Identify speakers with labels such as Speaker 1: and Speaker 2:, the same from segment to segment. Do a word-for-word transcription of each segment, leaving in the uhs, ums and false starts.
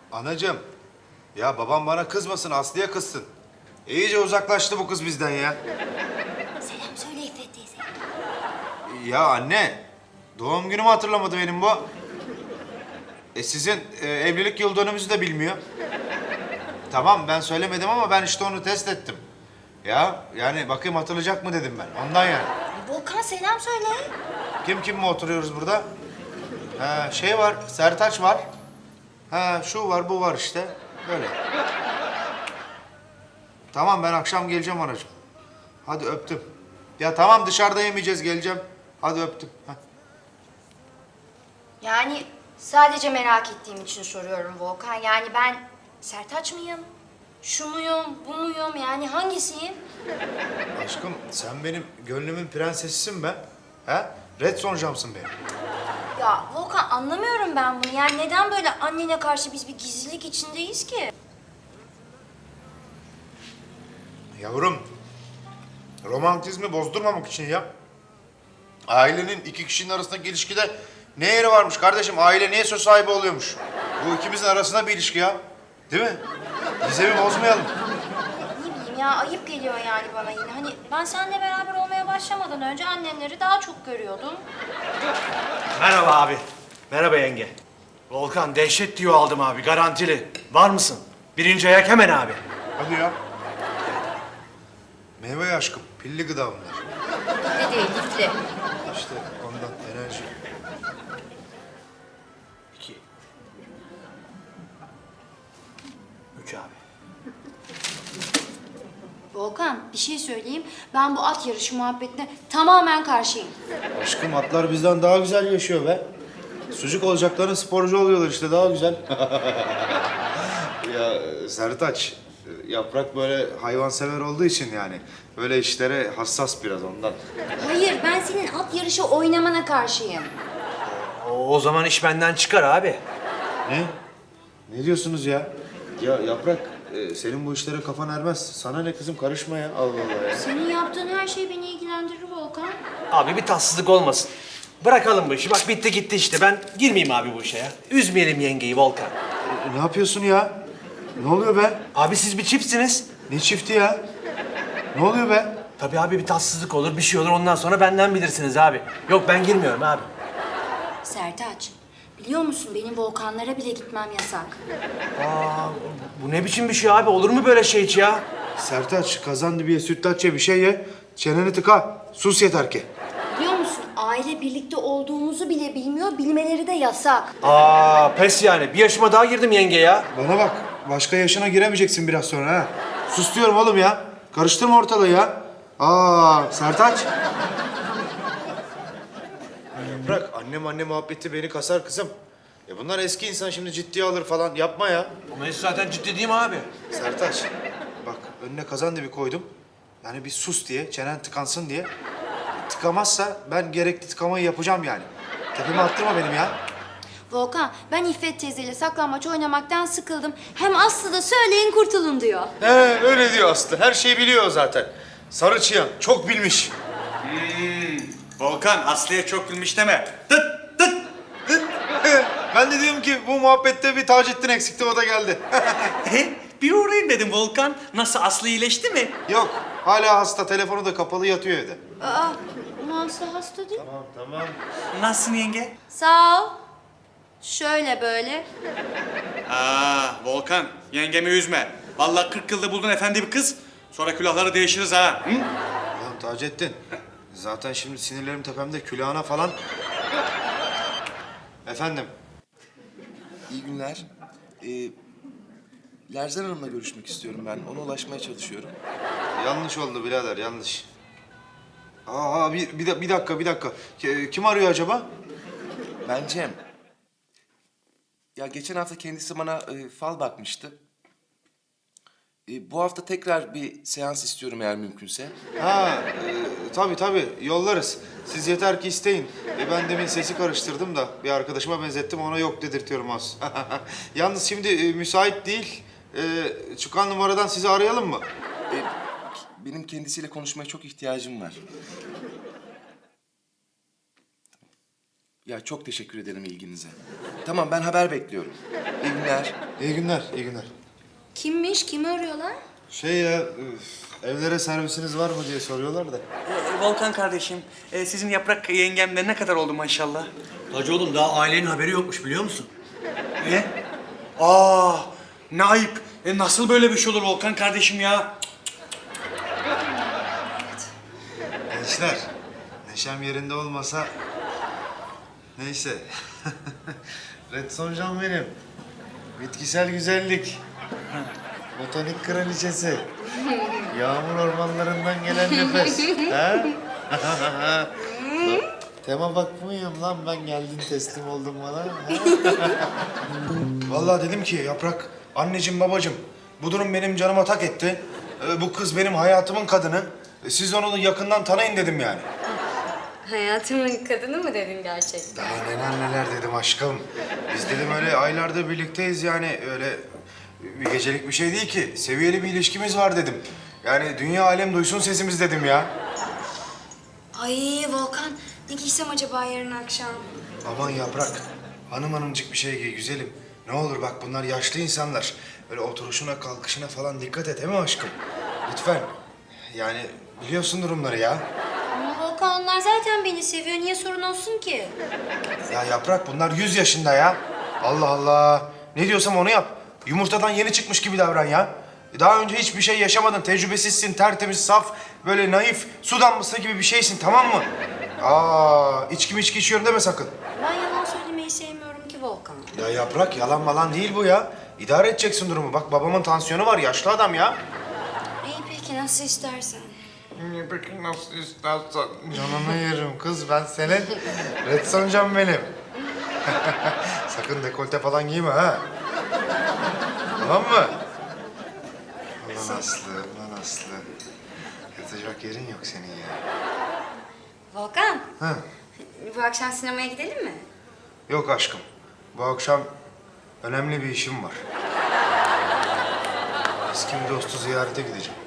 Speaker 1: Anacığım, ya babam bana kızmasın, Aslı'ya kızsın. İyice uzaklaştı bu kız bizden ya.
Speaker 2: Selam söyle İffet teyze.
Speaker 1: Ya anne, doğum günümü hatırlamadı benim bu. E sizin e, evlilik yıl dönümümüzü de bilmiyor. Tamam ben söylemedim ama ben işte onu test ettim. Ya yani bakayım hatırlayacak mı dedim ben. Ondan yani.
Speaker 2: Ay, Volkan selam söyle.
Speaker 1: Kim kim mi oturuyoruz burada? Ha, şey var, Sertaç var. Ha, şu var, bu var işte. Böyle. Tamam ben akşam geleceğim anacığım. Hadi öptüm. Ya tamam dışarıda yemeyeceğiz geleceğim. Hadi öptüm. Heh.
Speaker 2: Yani sadece merak ettiğim için soruyorum Volkan. Yani ben Sertaç mıyım? Şu muyum, bu muyum? Yani hangisiyim?
Speaker 1: Aşkım sen benim gönlümün prensesisin be. Ha? Red Sonjam'sın benim.
Speaker 2: Ya Volkan anlamıyorum ben bunu. Yani neden böyle annene karşı biz bir gizlilik içindeyiz ki?
Speaker 1: Yavrum, romantizmi bozdurmamak için ya. Ailenin iki kişinin arasındaki ilişkide ne yeri varmış kardeşim? Aile niye söz sahibi oluyormuş? Bu ikimizin arasında bir ilişki ya. Değil mi? Gizemi bozmayalım.
Speaker 2: Ne bileyim ya ayıp geliyor yani bana yine. Hani ben seninle beraber olmaya başlamadan önce annenleri daha çok görüyordum.
Speaker 3: Merhaba abi. Merhaba yenge. Volkan dehşet diyor aldım abi garantili. Var mısın? Birinci ayak hemen abi.
Speaker 1: Hadi ya. Meyve aşkım, pilli gıda bunlar.
Speaker 2: Ne değil lifli.
Speaker 1: İşte ondan enerji.
Speaker 3: İki. Üç abi.
Speaker 2: Volkan bir şey söyleyeyim. Ben bu at yarışı muhabbetine tamamen karşıyım.
Speaker 1: Aşkım atlar bizden daha güzel yaşıyor be. Sucuk olacaklarına sporcu oluyorlar işte daha güzel. Ya Sertaç, Yaprak böyle hayvansever olduğu için yani böyle işlere hassas biraz ondan.
Speaker 2: Hayır ben senin at yarışı oynamana karşıyım.
Speaker 3: O, o zaman iş benden çıkar abi.
Speaker 1: Ne? Ne diyorsunuz ya? Ya Yaprak, e, senin bu işlere kafan ermez. Sana ne kızım karışma ya. Allah Allah ya.
Speaker 2: Senin yaptığın her şey beni ilgilendirir Volkan.
Speaker 3: Abi bir tatsızlık olmasın. Bırakalım bu işi. Bak bitti gitti işte. Ben girmeyeyim abi bu işe ya. Üzmeyelim yengeyi Volkan.
Speaker 1: E, ne yapıyorsun ya? Ne oluyor be?
Speaker 3: Abi siz bir çiftsiniz.
Speaker 1: Ne çifti ya? Ne oluyor be?
Speaker 3: Tabii abi bir tatsızlık olur, bir şey olur. Ondan sonra benden bilirsiniz abi. Yok ben girmiyorum abi.
Speaker 2: Sertaç biliyor musun benim Volkanlara bile gitmem yasak.
Speaker 3: Aa, bu ne biçim bir şey abi? Olur mu böyle şey hiç ya?
Speaker 1: Sertaç, kazan dibiye sütlaç ye, bir şey ye. Çeneni tıka. Sus yeter ki.
Speaker 2: Biliyor musun aile birlikte olduğumuzu bile bilmiyor, bilmeleri de yasak.
Speaker 3: Aa pes yani. Bir yaşıma daha girdim yenge ya.
Speaker 1: Bana bak, başka yaşına giremeyeceksin biraz sonra ha. Sus diyorum oğlum ya. Karıştırma ortalığı ya. Aa, Sertaç. Bırak, annem anne muhabbeti beni kasar kızım. Ya bunlar eski insan şimdi ciddiye alır falan. Yapma ya.
Speaker 3: Ama hiç zaten ciddi değil mi abi?
Speaker 1: Sertaç, bak önüne kazan dibi koydum. Yani bir sus diye, çenen tıkansın diye. Tıkamazsa ben gerekli tıkamayı yapacağım yani. Tepeme attırma benim ya.
Speaker 2: Volkan ben İffet teyzeyle saklambaç oynamaktan sıkıldım. Hem Aslı da söyleyin kurtulun diyor.
Speaker 1: He öyle diyor Aslı. Her şeyi biliyor zaten. Sarı çıyan çok bilmiş.
Speaker 4: Volkan, Aslı'ya çok gülmüş deme. Tıt tıt.
Speaker 1: Ben de diyorum ki bu muhabbette bir Taceddin eksikti, o da geldi.
Speaker 4: Bir uğrayayım dedim Volkan. Nasıl, Aslı iyileşti mi?
Speaker 1: Yok hala hasta, telefonu da kapalı, yatıyor evde.
Speaker 2: Aa, Aslı hasta değil.
Speaker 1: Tamam tamam.
Speaker 4: Nasılsın yenge?
Speaker 2: Sağ ol. Şöyle böyle.
Speaker 4: Aa, Volkan, yengemi üzme. Vallahi kırk yılda buldun efendi bir kız. Sonra külahları değişiriz ha. Hı?
Speaker 1: Ulan Taceddin, zaten şimdi sinirlerim tepemde, külahına falan. Efendim?
Speaker 5: İyi günler. Ee, Lerzan Hanım'la görüşmek istiyorum ben. Ona ulaşmaya çalışıyorum.
Speaker 1: Yanlış oldu birader, yanlış. Aa bir, bir, da- bir dakika, bir dakika. Ki- Kim arıyor acaba?
Speaker 5: Ben Cem. Ya geçen hafta kendisi bana e, fal bakmıştı. E, bu hafta tekrar bir seans istiyorum eğer mümkünse.
Speaker 1: Ha, e, tabii tabii yollarız. Siz yeter ki isteyin. E, ben demin sesi karıştırdım da bir arkadaşıma benzettim, ona yok dedirtiyorum az. Yalnız şimdi e, müsait değil. E, çıkan numaradan sizi arayalım mı?
Speaker 5: E, benim kendisiyle konuşmaya çok ihtiyacım var. Ya çok teşekkür ederim ilginize. Tamam, ben haber bekliyorum. İyi günler.
Speaker 1: İyi günler, iyi günler.
Speaker 2: Kimmiş? Kimi arıyorlar?
Speaker 1: Şey ya, üf, evlere servisiniz var mı diye soruyorlar da.
Speaker 4: Ee, Volkan kardeşim, e, sizin yaprak yengemle ne kadar oldu maşallah?
Speaker 3: Hacı oğlum daha ailenin haberi yokmuş biliyor musun?
Speaker 4: Ne? Aa, ne ayıp. E, nasıl böyle bir şey olur Volkan kardeşim ya?
Speaker 1: Gençler, neşem yerinde olmasa... Neyse. Red Sonjan benim. Bitkisel güzellik. Botanik kraliçesi. Yağmur ormanlarından gelen nefes. Ha? Tema bakmıyorum lan ben, geldin teslim oldun bana. Ha? Vallahi dedim ki Yaprak, anneciğim babacığım, bu durum benim canıma tak etti. Ee, bu kız benim hayatımın kadını. Ee, Siz onu yakından tanıyın dedim yani.
Speaker 2: Hayatımın kadını mı dedin gerçekten?
Speaker 1: Daha neler neler dedim aşkım. Biz dedim öyle aylardır birlikteyiz yani, öyle bir gecelik bir şey değil ki. Seviyeli bir ilişkimiz var dedim. Yani dünya alem duysun sesimiz dedim ya.
Speaker 2: Ay Volkan, ne giysem acaba yarın akşam?
Speaker 1: Aman Yaprak, hanım hanımcık bir şey giy güzelim. Ne olur bak, bunlar yaşlı insanlar. Böyle oturuşuna kalkışına falan dikkat et, değil mi aşkım? Lütfen. Yani biliyorsun durumları ya.
Speaker 2: Ama Volkan, onlar zaten beni seviyor. Niye sorun olsun ki?
Speaker 1: Ya Yaprak, bunlar yüz yaşında ya. Allah Allah. Ne diyorsam onu yap. Yumurtadan yeni çıkmış gibi davran ya. Daha önce hiçbir şey yaşamadın, tecrübesizsin, tertemiz, saf, böyle naif, su damlası gibi bir şeysin, tamam mı? Aa, içki mi içki içiyorum deme sakın.
Speaker 2: Ben yalan söylemeyi sevmiyorum ki Volkan.
Speaker 1: Ya Yaprak, yalan malan değil bu ya. İdare edeceksin durumu. Bak babamın tansiyonu var, yaşlı adam ya.
Speaker 2: İyi peki, nasıl istersen.
Speaker 1: Peki nasıl istersen. Canını yerim kız, ben senin. Red Sonjan benim. Sakın dekolte falan giyme ha. Tamam mı? Ulan Aslı, ulan Aslı. Yatacak yerin yok senin ya.
Speaker 2: Volkan,
Speaker 1: Ha?
Speaker 2: bu akşam sinemaya gidelim mi?
Speaker 1: Yok aşkım. Bu akşam önemli bir işim var. Eski bir dostu ziyarete gideceğim.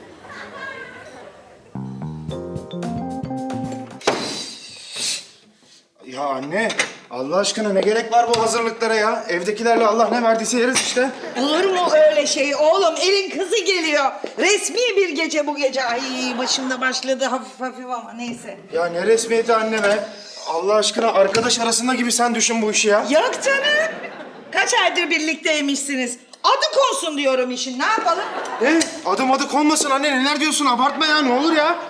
Speaker 1: Ya anne, Allah aşkına ne gerek var bu hazırlıklara ya? Evdekilerle Allah ne verdiyse yeriz işte.
Speaker 6: Olur mu öyle şey oğlum? Elin kızı geliyor. Resmi bir gece bu gece. Ay başımda başladı hafif hafif ama neyse.
Speaker 1: Ya ne resmiyeti anne be? Allah aşkına arkadaş arasında gibi sen düşün bu işi ya.
Speaker 6: Yok canım. Kaç aydır birlikteymişsiniz. Adı konsun diyorum işin. Ne yapalım?
Speaker 1: Ne? Adım adı konmasın anne, neler diyorsun? Abartma ya, ne olur ya.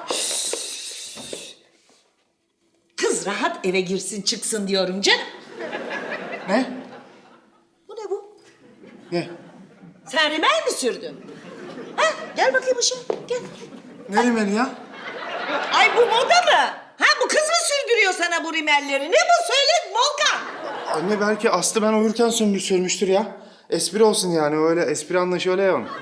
Speaker 6: Kız rahat eve girsin çıksın diyorum canım.
Speaker 1: Ne?
Speaker 6: Bu ne bu?
Speaker 1: Ne?
Speaker 6: Sen rimel mi sürdün? Ha? Gel bakayım ışığa. Gel.
Speaker 1: Ne rimeli ya?
Speaker 6: Ay bu moda mı? Ha bu kız mı sürdürüyor sana bu rimelleri? Ne bu? Söyle Volkan.
Speaker 1: Anne belki Aslı ben uyurken söndür sürmüştür ya. Espri olsun yani, öyle espri anlayışı öyle ya onun.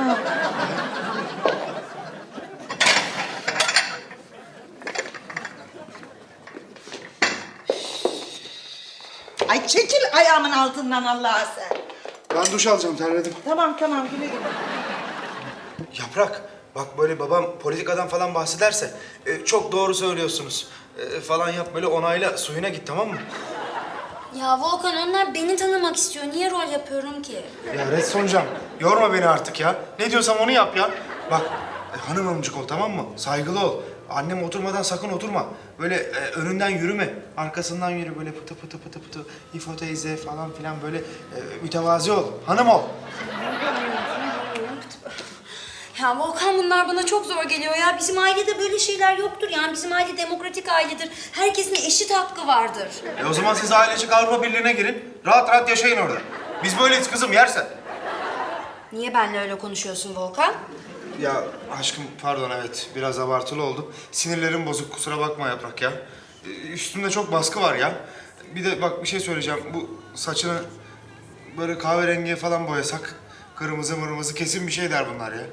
Speaker 6: Ay çekil ayağımın altından Allah'a sen.
Speaker 1: Ben duş alacağım, terledim.
Speaker 6: Tamam tamam güle güle.
Speaker 1: Yaprak, bak böyle babam politikadan falan bahsederse e, çok doğru söylüyorsunuz e, falan yap, böyle onayla, suyuna git, tamam mı?
Speaker 2: Ya Volkan, onlar beni tanımak istiyor. Niye rol yapıyorum ki?
Speaker 1: Ya Red Sonjan, yorma beni artık ya. Ne diyorsam onu yap ya. Bak, e, hanım hanımcık ol, tamam mı? Saygılı ol. Annem oturmadan sakın oturma. Böyle e, önünden yürüme, arkasından yürü, böyle pıtı pıtı pıtı pıtı. İfo teyze falan filan, böyle e, mütevazi ol, hanım ol.
Speaker 2: Ya Volkan, bunlar bana çok zor geliyor ya. Bizim ailede böyle şeyler yoktur yani. Bizim aile demokratik ailedir. Herkesin eşit hakkı vardır.
Speaker 1: E o zaman siz ailecek Avrupa Birliği'ne girin. Rahat rahat yaşayın orada. Biz böyleyiz kızım, yersen.
Speaker 2: Niye benimle öyle konuşuyorsun Volkan?
Speaker 1: Ya aşkım pardon, evet biraz abartılı oldu. Sinirlerim bozuk, kusura bakma Yaprak ya. Ee, Üstümde çok baskı var ya. Bir de bak bir şey söyleyeceğim. Bu saçını böyle kahverengiye falan boyasak, kırmızı mırmızı, kesin bir şey der bunlar ya.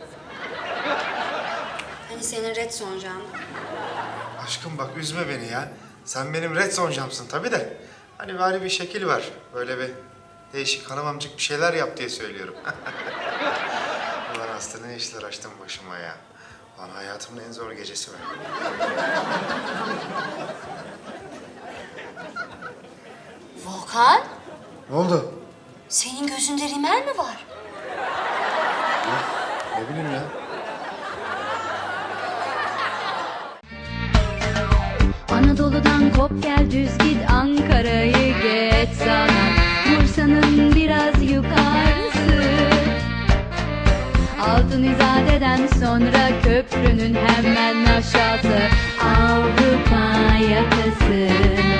Speaker 2: Hani senin Red Sonjan.
Speaker 1: Aşkım bak üzme beni ya. Sen benim Red Sonjam'sın tabii de. Hani bari bir şekil var. Böyle bir değişik hanımamcık bir şeyler yap diye söylüyorum. Ulan Aslı, ne işler açtın başıma ya. Lan hayatımın en zor gecesi be.
Speaker 2: Volkan,
Speaker 1: Ne oldu?
Speaker 2: senin gözünde rimel mi var?
Speaker 1: Ne bileyim ya.
Speaker 7: Anadolu'dan kop gel düz git Ankara'yı geç sana Bursa'nın biraz yukarısı Altın İzade'den sonra köprünün hemen aşağısı Avrupa yakası